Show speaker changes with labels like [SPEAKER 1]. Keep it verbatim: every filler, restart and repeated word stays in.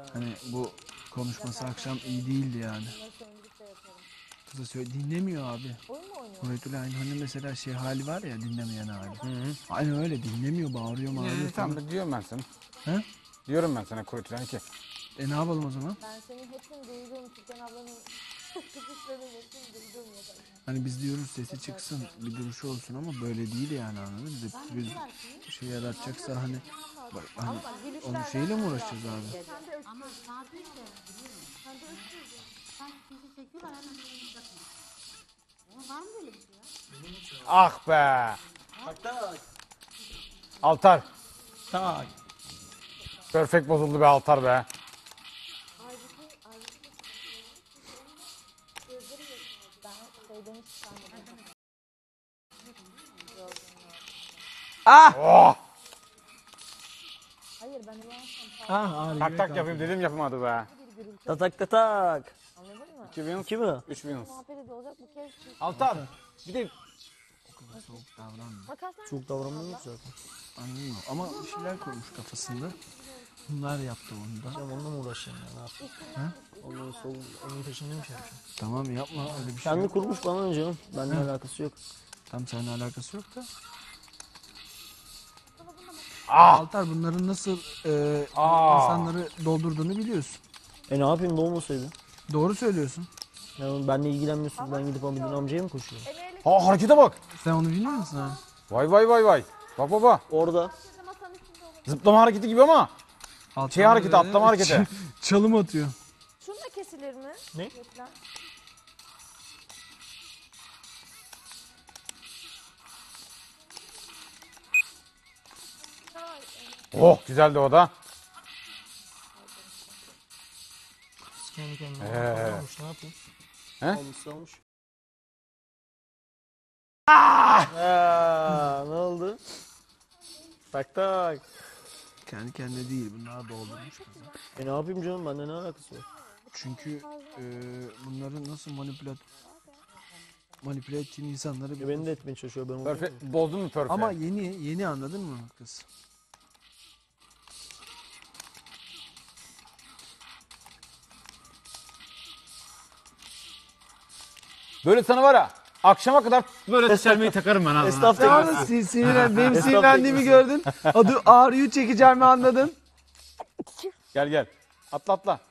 [SPEAKER 1] Hani bu konuşması akşam iyi değildi yani. Kıza söyle dinlemiyor abi. Murat'la aynı hani mesela şey hali var ya dinlemeyen hali.
[SPEAKER 2] Hı hı.
[SPEAKER 1] Aynı öyle dinlemiyor, bağırıyor, bağırıyor.
[SPEAKER 2] Ee, tamam da diyorum ben sana.
[SPEAKER 1] He?
[SPEAKER 2] Diyorum ben sana Kuvvetli ki.
[SPEAKER 1] E ne yapalım o zaman?
[SPEAKER 3] Ben senin hepsini duydum. Türkan ablanın kızışlarının hepsini duydum ya.
[SPEAKER 1] Hani biz diyoruz sesi çıksın, bir duruşu olsun ama böyle değil yani anladın mı? Biz, biz bir şey yaratacaksa hani, bak, hani onun şeyle mi uğraşacağız abi?
[SPEAKER 4] Ama saat üç de biliyorum. Sen de üç müydün? Sanki bizi çekiyorlar hemen elini bırakın. Ama var mı böyle bir şey ya?
[SPEAKER 2] Ah be.
[SPEAKER 5] Tak tak.
[SPEAKER 2] Altar.
[SPEAKER 5] Tak.
[SPEAKER 2] Perfect bozuldu be Altar be.
[SPEAKER 3] Ben şeyden hiç sanmadım.
[SPEAKER 2] Oh.
[SPEAKER 3] Hayır ben uyansam
[SPEAKER 5] Ah ağrıyor.
[SPEAKER 2] Tak tak yapayım dedim yapamadı be.
[SPEAKER 5] Tak tak tak tak.
[SPEAKER 3] anladın mı?
[SPEAKER 2] iki wins.
[SPEAKER 5] İki mi?
[SPEAKER 2] üç wins.
[SPEAKER 3] Muhabbet olacak bu kez.
[SPEAKER 2] Altar. Bir de
[SPEAKER 1] O kadar soğuk davranma.
[SPEAKER 3] Makaslar
[SPEAKER 5] Çok davranmıyor mu zaten?
[SPEAKER 1] Anladın mı? Ama bir şeyler koymuş kafasında. Bunlar yaptı onu da.
[SPEAKER 5] Sen onunla mı uğraşacaksın ya? Ne yapayım? Onun sol, onun peşinde mi şey yapacaksın?
[SPEAKER 1] Tamam yapma öyle bir şey
[SPEAKER 5] Kendi
[SPEAKER 1] yok.
[SPEAKER 5] kurmuş bana canım. Benimle
[SPEAKER 1] Hı.
[SPEAKER 5] alakası yok.
[SPEAKER 1] Tam seninle alakası yok da.
[SPEAKER 2] ah.
[SPEAKER 1] Altar bunların nasıl e,
[SPEAKER 2] Aa.
[SPEAKER 1] insanları doldurduğunu biliyorsun.
[SPEAKER 5] E ne yapayım ne olmasaydı?
[SPEAKER 1] Doğru söylüyorsun.
[SPEAKER 5] Yani benimle ilgilenmiyorsun. Ben gidip Hamid'in amcaya mı koşuyorum?
[SPEAKER 2] Ha harekete bak.
[SPEAKER 1] Sen onu bilmiyor musun ha?
[SPEAKER 2] Vay vay vay vay. Bak baba.
[SPEAKER 5] Orada.
[SPEAKER 2] Zıplama hareketi gibi ama.
[SPEAKER 1] Altar
[SPEAKER 2] Şey hareketi,
[SPEAKER 1] böyle
[SPEAKER 2] atlama hareketi.
[SPEAKER 1] ç- Çalım atıyor.
[SPEAKER 3] şunu da kesilir mi?
[SPEAKER 5] Ne?
[SPEAKER 3] Reklam.
[SPEAKER 2] Oh güzeldi o da.
[SPEAKER 5] Kendi kendine.
[SPEAKER 2] Ee.
[SPEAKER 5] Almış, ne yapayım?
[SPEAKER 2] He?
[SPEAKER 5] Almış almış. Aa, ne oldu? Tak tak.
[SPEAKER 1] Kendi kendine değil bunlar doldurmuş kızı.
[SPEAKER 5] E ne yapayım canım? Bende ne alakası var?
[SPEAKER 1] Çünkü e, bunların nasıl manipülat manipüle ettiğini insanları
[SPEAKER 5] E beni de etmeye çalışıyor. Ben onu
[SPEAKER 2] Perfect. Bozdun mu perfect?
[SPEAKER 1] Ama yeni yeni anladın mı kız?
[SPEAKER 2] Böyle sana var ya. Akşama kadar böyle selmeyi takarım ben ağzına.
[SPEAKER 5] Estağfurullah.
[SPEAKER 1] Yalnız sin- sinirlen, benim
[SPEAKER 5] Estağfurullah.
[SPEAKER 1] sinirlendiğimi gördün. Adı ağrıyor çekeceğimi anladın.
[SPEAKER 2] Gel gel. Atla atla.